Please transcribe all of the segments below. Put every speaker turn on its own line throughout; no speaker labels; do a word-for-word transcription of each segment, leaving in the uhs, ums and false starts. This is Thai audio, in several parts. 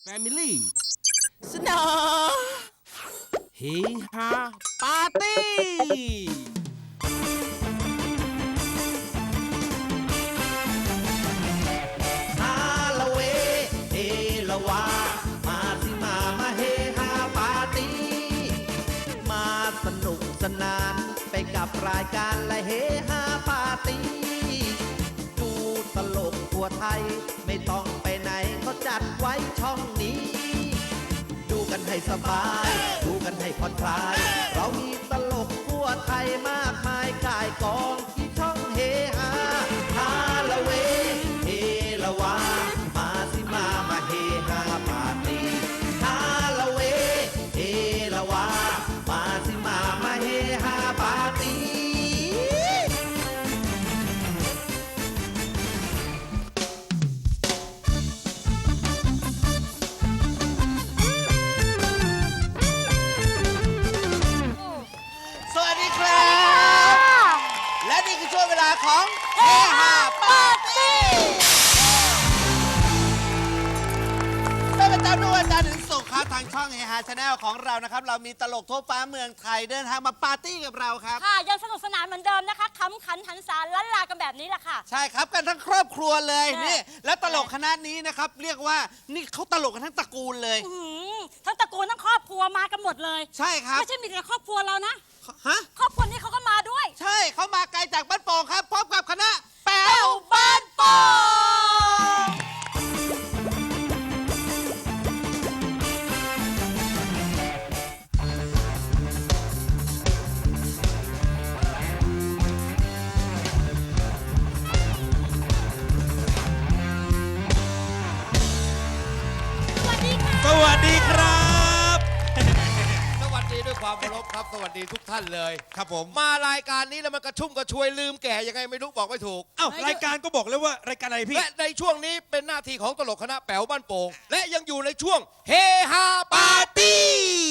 Family เสนอเฮฮาปาร์ตี้
ฮาละเวเฮละวามาสิมามาเฮฮาปาร์ตี้มาสนุกสนานไปกับรายการและเฮฮาปาร์ตี้ดูตลกทั่วไทยไม่ต้องไปไหนเขาจัดไว้ช่องนี้ดูกันให้สบายดูกันให้ผ่อนคลายเรามีตลกทั่วไทยมากมายกายกองที่ช่องเฮฮาฮาละเวเฮละวามาสิมามาเฮฮาปาร์ตี้ฮาละเวเฮละวามาสิมามาเฮฮาปาร์ตี้สวัสดีครับ และนี่คือช่วงเวลาของเฮฮาปาร์ตี้เป็นประจำทุกวันจันทร์ถึงศุกร์ครับทางช่องเฮฮาชาแนลของเรานะครับเรามีตลกทั่วฟ้าเมืองไทยเดินทางมาปาร์ตี้กับเราครับ
ค่ะยังสนุกสนานเหมือนเดิมนะคะขำขันหันษาล้านลากันแบบนี้แหละค่ะ
ใช่ครับกันทั้งครอบครัวเลย
ใช่
นี่และตลกคณะนี้นะครับเรียกว่านี่เขาตลกกันทั้งตระกูลเลย
อื้อหือทั้งตระกูลทั้งครอบครัวมากันหมดเลย
ใช่ครับ
ไม่ใช่มีแต่ครอบครัวเรานะ
ฮะ
ครอบครัวนี้เขาก็มาด้วย
ใช่เขามาไกลจากบ้านโป่งครับพร้อมกับคณะแป๋
แป้
ว
วบ้านโป่ง สวัสดีค่ะ
สวัสดีครับ
สวัสดีด้วยความเคารพครับ สวัสดีทุกท่านเลย
ครับผม
มารายการนี้แล้วมันกระชุ่มกระชวยลืมแก่ยังไงไม่รู้บอกไม่ถูก
เอ้ารายการก็บอกแล้วว่ารายการอะไรพี่
และในช่วงนี้เป็นหน้าที่ของตลกคณะแป๋วบ้านโป่งและยังอยู่ในช่วงเฮฮาปาร์ตี้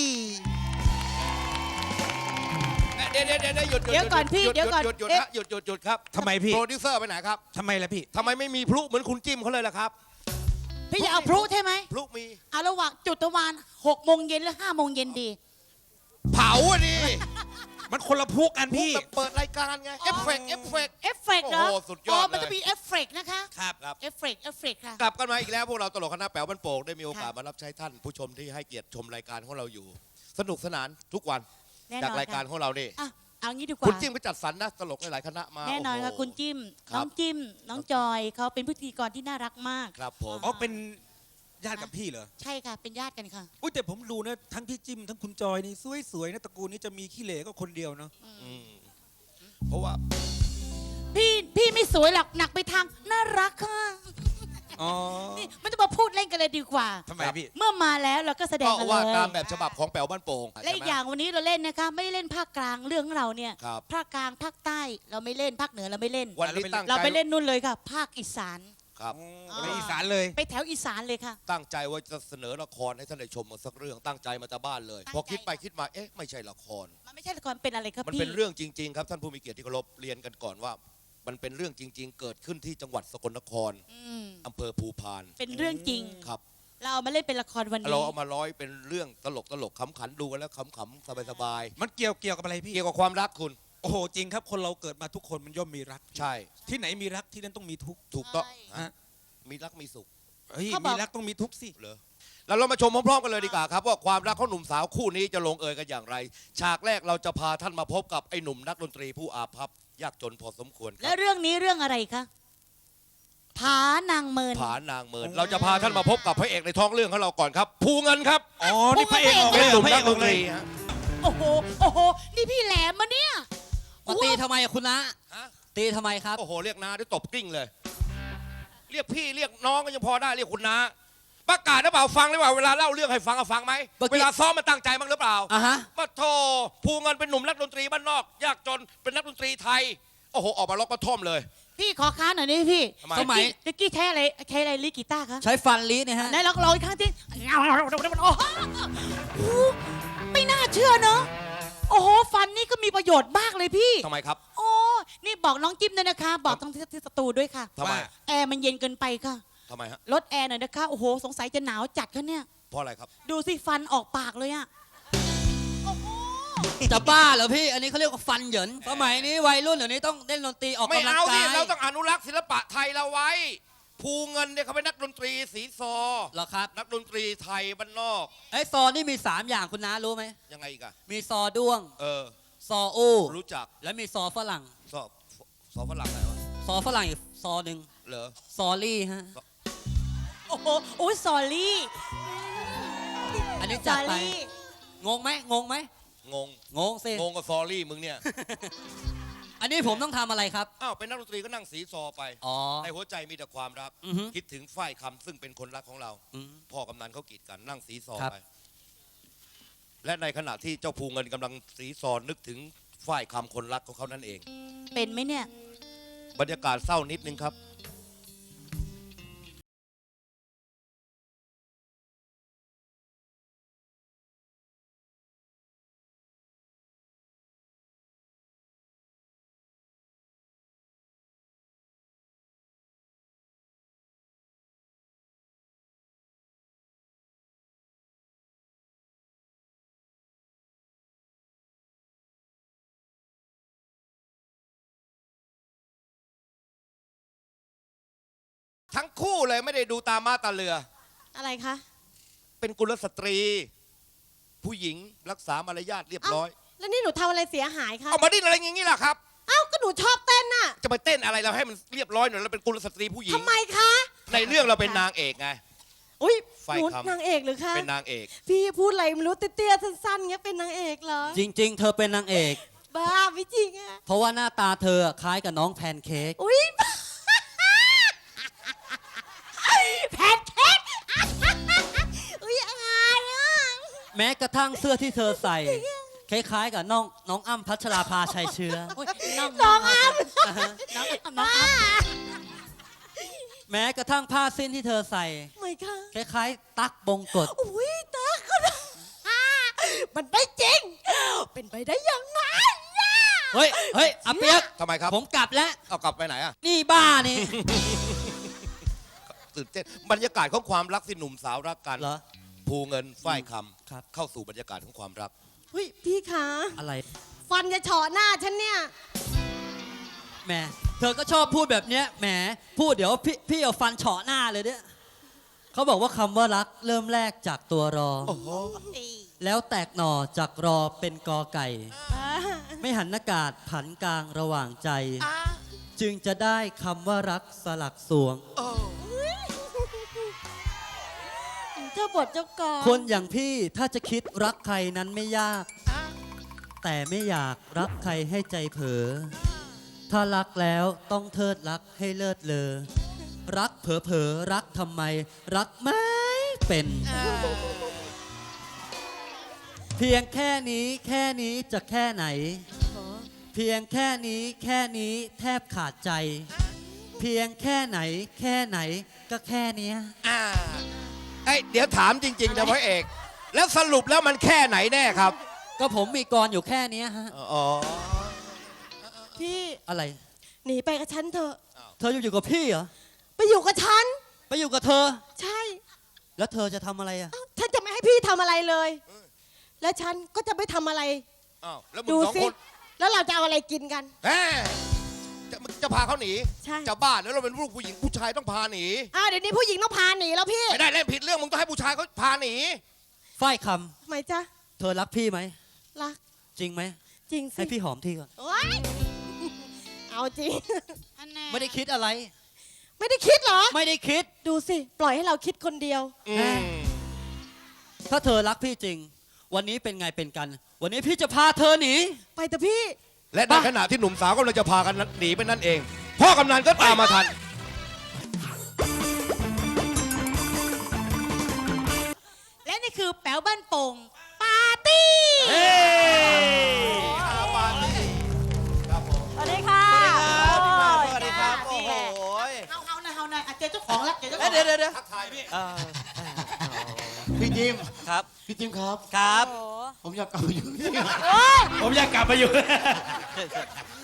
เดี๋ยวเดี๋ยวเดี๋ยวหยุดหยุด
เดี๋ยวก่อนพี่
หยุ
เดี๋ยวก่อน
หยุดหยุด
เอ๊ะ
ฮะหยุดหยุดหยุดครับ
ทำไมพี่
โปรดิวเซอร์ไปไหนครับ
ทำไมล่ะพี่
ทำไมไม่มีพลุเหมือนคุณจิ้มเขาเลยล่ะครับ
พี่จะเอาพลุใช่ไหม
พลุมี
เอาระหว่างจุดตะวันหกโมงเย็นหรือห้าโมงเย็นดี
เผาอ่ะดิ
มันคนละพวกกัน
พลุ
พี่
แบบเปิดรายการไงเอฟเฟกต์เอฟเฟกต์
เอฟเฟกต์เหรอ
โอ้โหสุดยอด
มัน
เลย
จะมีเอฟเฟกต์นะคะ
ครับ
ครับ
เอฟเฟกต์เอฟเฟกต์ค่ะ
กลับกันมาอีกแล้วพวกเราตลกคณะแป๋วบ้านโป่งได้มีโอกาส
ค่ะ
มารับใช้ท่านผู้ชมที่ให้เกียรติชมรายการของเราอยู่ สนุกสนานทุกวัน
แน่นอน
จากรายการ
ค่ะ
ของเรานี่
อ่ะเอางี้ดีกว่า
คุณจิ้มก็จัดสรรนะตลกหลายๆคณะมา
แน่นอนค่ะ
โโห
คุณจิ้ม
ครับ
น้องจิ้ม น้องจอยเขาเป็นพิธีกรที่น่ารักมาก
ครับผม
อ๋อเป็นญาติกับพี่เหรอ
ใช่ค่ะ เป็นญาติกันค่ะ
อุ้ยแต่ผมดูนะทั้งพี่จิ้มทั้งคุณจอยนี่สวยๆนะตระกูลนี้จะมีขี้เหร่ก็คนเดียวเนาะ
อืมเพราะว่า
พี่พี่ไม่สวยหรอกหนักไปทางน่ารักค่ะ
อ๋อ
นี่ไม่ต้องมาพูดเล่นกันเลยดีกว่า
ทำไมพี่
เมื่อมาแล้วเราก็แสดง
ก็
กันเล
ว่าย ตามแบบฉบับของแป๋วบ้านโป่ง
และอีกอย่างวันนี้เราเล่นนะคะ ไม่ได้เล่นภาคกลางเรื่องของเราเนี่ย
ครับ
ภาคกลางภาคใต้เราไม่เล่นภาคเหนือเราไม่เล่น
วันนี้ตั้ง
เรา
ใจ
ไปเล่นนู่นเลยค่ะ ภาคอีสาน
ครับ
ในอีสานเลย
ไปแถวอีสานเลยค่ะ
ตั้งใจว่าจะเสนอละครให้ท่านได้ชมมาสักเรื่องตั้งใจมาจากบ้านเลย
ตั้งใจ
พอคิดไปคิดมาเอ๊ะไม่ใช่ละคร
มันไม่ใช่ละครเป็นอะไรครับ
มัน
พี่
เป็นเรื่องจริง ๆ ครับท่านผู้มีเกียรติที่เคารพเรียนกันก่อนว่า มันเป็นเรื่องจริง ๆ เกิดขึ้นที่จังหวัดสกลนคร
อืม
อำเภอภูพาน
เป็นเรื่องจริง
ครับ
เราเอามาเล่นเป็นละครวันนี้
เราเอามาร้อยเป็นเรื่องตลกตลกขำขันดูกันแล้วขำๆสบาย
มันเกี่ยวเกี่ยวกับอะไร
ๆ
พี่
เกี่ยวกับความรักคุณ
โอ้โหจริงครับคนเราเกิดมาทุกคนมันย่อมมีรัก
ใช่
ที่ไหนมีรักที่นั่นต้องมีทุกข์
ถูกต้อง
ใช่
ฮะ
มีรักมีสุข
เฮ้ย
เขาบอก
มีรักต้องมีทุกข์สิ
เหรอแล้วเรามาชมพร้อมๆกันเลยดีกว่าครับว่าความรักของหนุ่มสาวคู่นี้จะลงเอยกันอย่างไร ฉากแรกเราจะพาท่านมาพบกับไอ้หนุ่มนักดนตรีผู้อาภัพยากจนพอสมควรค
และ
รับ
เรื่องนี้เรื่องอะไรคะผานางเมิน
ผานางเมินเราจะพาท่านมาพบกับพระเอกในท้องเรื่องของเราก่อนครับ ภูเงินครับ
อ๋อนี่พระเอกออก
เป็น
เลย
หนุ่ม
พระ
นั
เอก ก
ด
ออน ก
ต
เล
รี
ย
ฮะ
โอ้โหโอ้โหนี่พี่แหลมมาเนี่ย
มาตีทำไมอะคุณนะ
ฮะ
ตีทำไมครับ
โอ้โหเรียกน้าได้ตบกลิ้งเลย เรียกพี่เรียกน้องก็ยังพอได้เรียกคุณน้าประกาศหรือเปล่าฟังหรือเปล่าเวลาเล่าเรื่องให้ฟังอะฟังไหม
เมื่อกี้
เวลาซ้อมมันตั้งใจบ้างหรือเปล่า
อ่ะฮะ
มาโทภูเงินเป็นหนุ่มนักดนตรีบ้านนอก ยากจนเป็นนักดนตรีไทยโอ้โหออกมาล็อกกระท่อมเลย
พี่ขอค้านหน่อยนี่พี่
ทำไม
สมัย
ตะกี้ใช้อะไรใช้อะไรลิกีตาร์คะ
ใช้ฟันลีเนี่ยฮะ
ไหนลองลองอีกครั้งที่โอ้โหไม่น่าเชื่อเนอะโอ้โหฟันนี่ก็มีประโยชน์มากเลยพี่
ทำไมครับ
โอ้นี่บอกน้องจิ้มด้วยนะคะ บอกทั้งที่สตูด้วยค่ะ
ทำไม
แอร์มันเย็นเกินไปค่ะ
ทำไมฮะ
ลดแอร์หน่อยนะคะ โอ้โห สงสัยจะหนาวจัดคะเนี่ย
เพราะอะไรครับ
ดูสิฟันออกปากเลยอะ
จะบ้าเหรอพี่ อันนี้เขาเรียกว่าฟันเหยินสมัยนี้วัยรุ่นเดี๋ยวนี้ต้องเล่นดนตรีออก
ไม่
กำลัง
เอา
กา
ดิ
ย
เราต้องอนุรักษ์ศิลปะไทยเราไว้ ภูเงินเนี่ยเขาเป็นนักดนตรีสีซอ
เหรอครับ
นักดนตรีไทยบ้านนอก
ไอ้ซอนี่มีสามอย่างคุณน้ารู้ไหม
ยังไงอีกอะ
มีซอด้วง
เออ
ซออู้
รู้จัก
แล้วมีซอฝรั่ง
สอบสอบฝรั่งอะไรวะ
ซอฝรั่งอีกซอหนึ่ง
เหรอ
ซอรี่ฮะ
โอ้โหโอ้ยสอรี่
อันนี้
ส
จั
อ
ดไป
รี่
งงไหมงงไหม
งง
งงสิ
งงกับซอรี่มึงเนี่ย
อันนี้ผมต้องทำอะไรครับ
อ้าวเป็นนักดนตรีก็นั่งสีซอไป
อ๋อ
ในหัวใจมีแต่ความรัก
อือฮึ
คิดถึงฝ้ายคำซึ่งเป็นคนรักของเรา
อืม
พ่อกำนันเขากีดกันนั่งสีซอ
ครับ
ไป และในขณะที่เจ้าภูเงินกำลังสีซอนึกถึงฝ้ายคำคนรักของเขานั่นเอง
เป็นไหมเนี่ย
บรรยากาศเศร้านิดนึงครับ ทั้งคู่เลยไม่ได้ดูตามาตาเรือ
อะไรคะ
เป็นกุลสตรี ผู้หญิงรักษามารยาทเรียบร้อย
แล้วนี่หนูทำอะไรเสียหายคะ
เอามาดิ้นอะไรอย่างนี้ล่ะครับ
เอ้าก็หนูชอบเต้นน่ะ
จะไปเต้นอะไรเราให้มันเรียบร้อยหน่อยเราเป็นกุลสตรีผู้หญิง
ทำไมคะ
ในเรื่องเราเป็นนางเอกไง
อุ้ย
ไฟ
หนู
คำ
นางเอกหรือคะ
เป็นนางเอก
พี่พูดอะไรไม่รู้เตี้ยๆสั้นๆเงี้ยเป็นนางเอกเหรอ
จริง ๆ เธอเป็นนางเอก
บ้าไม่จริงอะ
เพราะว่าหน้าตาเธอคล้ายกับน้องแพนเค้ก
อุ้ย แพนเค้ก อุ้ยอายอ่ะ
แม้กระทั่งเสื้อที่เธอใส่ คล้ายๆกับน้องน้องอ้ำพัชราภาชัยเชื้อ
น้อง
น้องอ้ำ
อ่าฮะ
น้องน้อง
บ้า
แม้กระทั่งผ้าสิ้นที่เธอใส่
ไม่ค่ะ
คล้ายๆ ตั๊กบงกฎ
อุ้ยตาก็ได้มันไม่จริง เป็นไปได้ยังไงอะ
เฮ้ยเฮ้ยอาเปียก
ทำไมครับ
ผมกลับแล้ว
เอากลับไปไหนอะ
นี่บ้านี่
ตื่นเต้นบรรยากาศของความรักที่หนุ่มสาวรักกัน
เหรอ
ภูเงินฝ้ายค
ครับ
ำเข้าสู่บรรยากาศของความรัก
เฮ้ยพี่คะ
อะไร
ฟันจะเฉาะหน้าฉันเนี่ย
แหมเธอก็ชอบพูดแบบเนี้ยแหมพูดเดี๋ยวพี่พี่เอาฟันเฉาะหน้าเลยเนี่ยเขาบอกว่าคำว่ารักเริ่มแรกจากตัวรอ แล้วแตกหน่อจากรอเป็นกอไก่ ไม่หันอากาศผันกลางระหว่างใจ จึงจะได้คำว่ารักสลักสวง
เจ้าบทเจ้ากร
คนอย่างพี่ถ้าจะคิดรักใครนั้นไม่ยาก แต่ไม่อยากรักใครให้ใจเผลอถ้ารักแล้วต้องเทิดรักให้เลิศเลอ รักเผลอเผลอรักทำไม รักไม่เป็น เพียงแค่นี้แค่นี้จะแค่ไหน เพียงแค่นี้แค่นี้แทบขาดใจ เพียงแค่ไหนแค่ไหนก็แค่เนี้ย
อ่าเอ้ยเดี๋ยวถามจริงๆนะพระเอก แล้วสรุปแล้วมันแค่ไหนแน่ครับ
ก็ผมมีกรอยู่แค่เนี้ยฮะ
อ๋อ
พี่
อะไร
หนีไปกับฉันเถอะ
เธออยู่กับพี่เหรอ
ไปอยู่กับฉัน
ไปอยู่กับเธอ
ใช่
แล้วเธอจะทำอะไรอ่ะ
เอ้าฉันจะไม่ให้พี่ทำอะไรเลย และฉันก็จะไม่ทำอะไร
อ้าวแล้วมึ
ดู
งสอง
สิ
คน
แล้วเราจะเอาอะไรกินกัน
แหมจะมึงจะพาเขาหนี
ใช่
จะบ้าแล้วเราเป็นลูกผู้หญิงผู้ชายต้องพาหนี
อ้าวเดี๋ยวนี้ผู้หญิงต้องพาหนีแล้วพี่
ไม่ได้เล่นผิดเรื่องมึงต้องให้ผู้ชายเขาพาหนี
ฝ้ายค
ทำไมจ๊ะ
ำเธอรักพี่ไหม
รัก
จริงไหม
จริงสิ
ให้พี่หอมทีก่อน
โอ๊ยเอาจริง
ไม่ได้คิดอะไร
ไม่ได้คิดเหรอ
ไม่ได้คิด
ดูสิ ปล่อยให้เราคิดคนเดียว
อืม
ถ้าเธอรักพี่จริง วันนี้เป็นไงเป็นกัน วันนี้พี่จะพาเธอหนี
ไปเถอะพี่
และในขณะที่หนุ่มสาวกำลังจะพากันหนีไปนั่นเอง พ่อกำนันก็ตามมาทัน
และนี่คือแป๋วบ้านโป่งปาร์ตี้
เฮ้ยอาปาร์ตี้ครับผม
สวัสดีค่ะ
สวัสดีครับ โอ้โห
เฮาเฮาหน่อยเฮาหน่อยอ่ะเจอเจ้าของแล้วเจอเจ้าข
เอ้
อย ง
เดี๋ยวเดี๋ยวเดี๋ยว
ทักทายพี่
พี่จิม
ครับ
พี่จิมครับ
ครับ
ผมอยากกลับไปอยู่ที่
ผมอยากกลับมาอยู่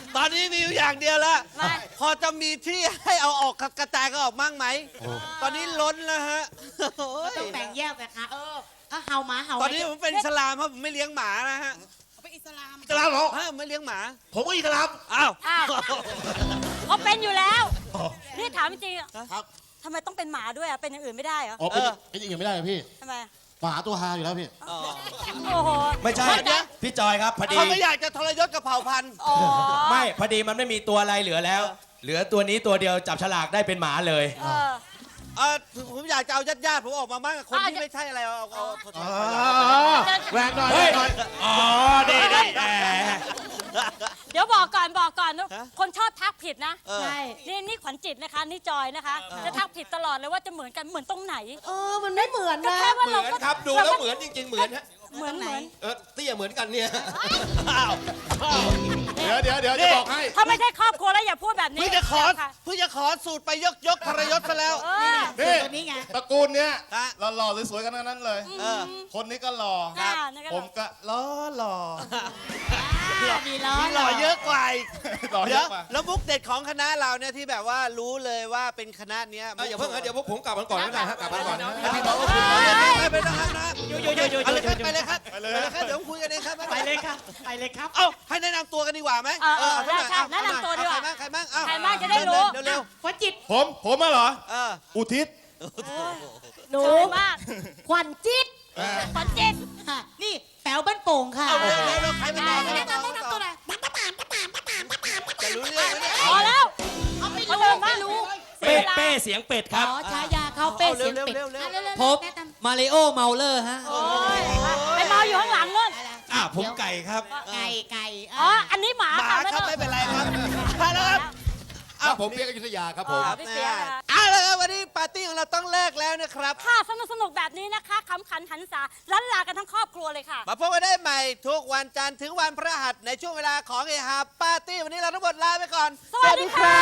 ตอนนี้มีอยู่อย่างเดียวแล้ว พอจะมีที่ให้เอาออกกระจายก็ออกมั่งไหม ตอนนี้ล้นแล้วฮะโอ้ย
ต้องแบ่งแยกนะคะเออก็เห่าหมาเห่า
ตอนนี้ผมเป็นอิสลามครับผมไม่เลี้ยงหมานะฮะ
เป็นอิสลาม
อิสลามเหรอ
ฮะไม่เลี้ยงหมา
ผมก็อิสลาม
อ้าว
อ้าวเขาเป็นอยู่แล้ว
อ๋อ
นี่ถามจริงๆอะ
ครับ
ทำไมต้องเป็นหมาด้วยอะเป็นอย่างอื่นไม่ได้เหรอ
อ๋อเป็นเป็นอย่างอื่นไม่ได้เหรอพี่
ทำไม
หมาตัวฮาอยู่แล้วพี่
อ๋อ
โอ้โห
ไม่ใช่ พี่จอยครับพอดี
เขาไม่อยากจะทรยศกับเผ่าพันธุ์
อ๋อ
ไม่พอดีมันไม่มีตัวอะไรเหลือแล้ว เหลือตัวนี้ตัวเดียวจับฉลากได้เป็นหมาเลย
เออ
เออผมอยากจะเอาญาติญาติๆผมออกมาบ้างคนที่ไม่ใช่อะไรเอาเอาเอาเอา
แรงหน่อยแร
เฮ้ย
งหน่อย
อ๋อดีดีแหม
เดี๋ยวบอกก่อนบอกก่อนนะคนชอบทักผิดนะ
เออ
ใช่
นี่นี่ขวัญจิตนะคะ นี่จอยนะคะ จะทักผิดตลอดเลยว่าจะเหมือนกันเหมือนตรงไหน
เออมันไม่เหมือน
ก็
นะ
แค่ว่า
เหมื
เรา
อน
ก็
ครับดูแล้วเหมือนจริง ๆ เหมือนฮะ
เหมือนเหมือน
เออเตี้ยเหมือนกันเนี่ย
อ้าว
เดี๋ยวเดี๋ยวเดี๋ยวจะบอกให้
ถ้าไม่ใช่ครอบครัวแล้วอย่าพูดแบบนี้
เพิ่งจะขอ
ค่ะ
เพิ่งจะขอสูตรไปยกยกทรยศซะแล้ว
เออ
นี่
ตัวนี้ไง
ตระกูลเนี้ย
ฮะ
หล่อๆสวยๆกันทั้งนั้นเลย
เออ
คนนี้ก็หล่อ
ครับนี่ก็หล่อ
ผมก็หล่อหล่อ
มีล้อ
มีหล่อเยอะกว่าอีก
หล่อเย
เดี๋ยว
อะกว่า
แล้วมุกเด็ดของคณะเราเนี่ยที่แบบว่ารู้เลยว่าเป็นคณะเนี้ย
เอาอย่าเพิ่งฮะเดี๋ยวพวกผมกลับกันก่อนก็ได้ฮะกลับกันก่อนนะ
พี่บอกว่าคุณไม่ไปต้องนะอยู่อยู่อยู่อยู่ไปเลยครับไปเลยครับ
ไปเลย
ครับเดี๋ยวผมคุยกันเองครับ
ไปเลยครับไปเลยครับ
เอ้าให้แนะนำตัวกันดีกว่าไหม
เออเออ
เอาหน่อย
ใช่ใช่แนะนำตัวดีกว่า
เอใครบ้างใครบ้างเอ้
ใครบ้างจะได้รู้
เร็ว
ขวัญจิต
ผมผมมาเหรอ
ๆเออ
อุทิศ
หนู
สวยมาก
ขวัญจิต
ขวัญจิต
ค่ะนี่แป๋วบ้านโป่งค่ะ
เอาเร็วเร็วเร็วใครเป็นต่อใคร
แนะ
เป็นต่อน
ำแนะนำตัวหน่อย
จะรู้เรื่องไหมเนี่ย
พอแล้ว
เอาไม่
เขา
รู้
เดินมา
ไม่รู้
เสีย
เป้
เวลา
เป้เสียงเป็ดค
อ๋
รับ
อฉายาเขาเป้เสียงเป็ด
เร็วๆเร็วๆ
อ่ะเร็วๆ
พบ
แนะนำ
มาริโอเมาเลอร์ฮะ
โอ้ยไปเมาอยู่ข้างหลังนู่น
อ่ะผมไก่ครับ
ไก่ไก่
อ๋อ อันนี้หมา
หมา
ค่ะ
ครับ
ต้อง
ไม่เป็นไรครับมาแล้วครับ
ครับผมเปียกอยุธยาครับผม
อ๋อพี่เปียกนะคะ
เอาละครับวันนี้ปาร์ตี้ของเราต้องเลิกแล้วนะครับ
ค่ะสนุกสนุกแบบนี้นะคะขำขันหันษาลันลากันทั้งครอบครัวเลยค่ะ
มาพบกันได้ใหม่ทุกวันจันทร์ถึงวันพฤหัสในช่วงเวลาของเอฮาปาร์ตี้วันนี้เราทั้งหมดลาไปก่อน
สวัสดีค่ะ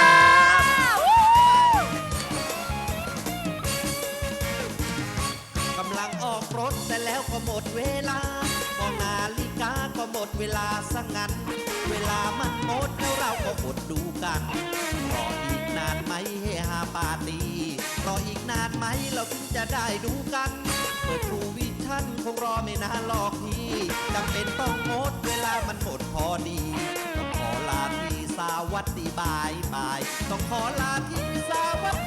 กำลังออกรถแต่แล้วก็หมดเวลามองนาฬิกาก็หมดเวลาสังงั้น เวลามันหมดแล้วเราก็อดดูกันรออีกนานไหมเฮฮาปาร์ตี้รออีกนานไหมเราถึงจะได้ดูกัน เปิดทูวิชั่นคงรอไม่นานหรอกพี่จำเป็นต้องงดเวลามันหมดพอดี ต้องขอลาที่สวัสดีบายบาย ต้องขอลาที่สวัส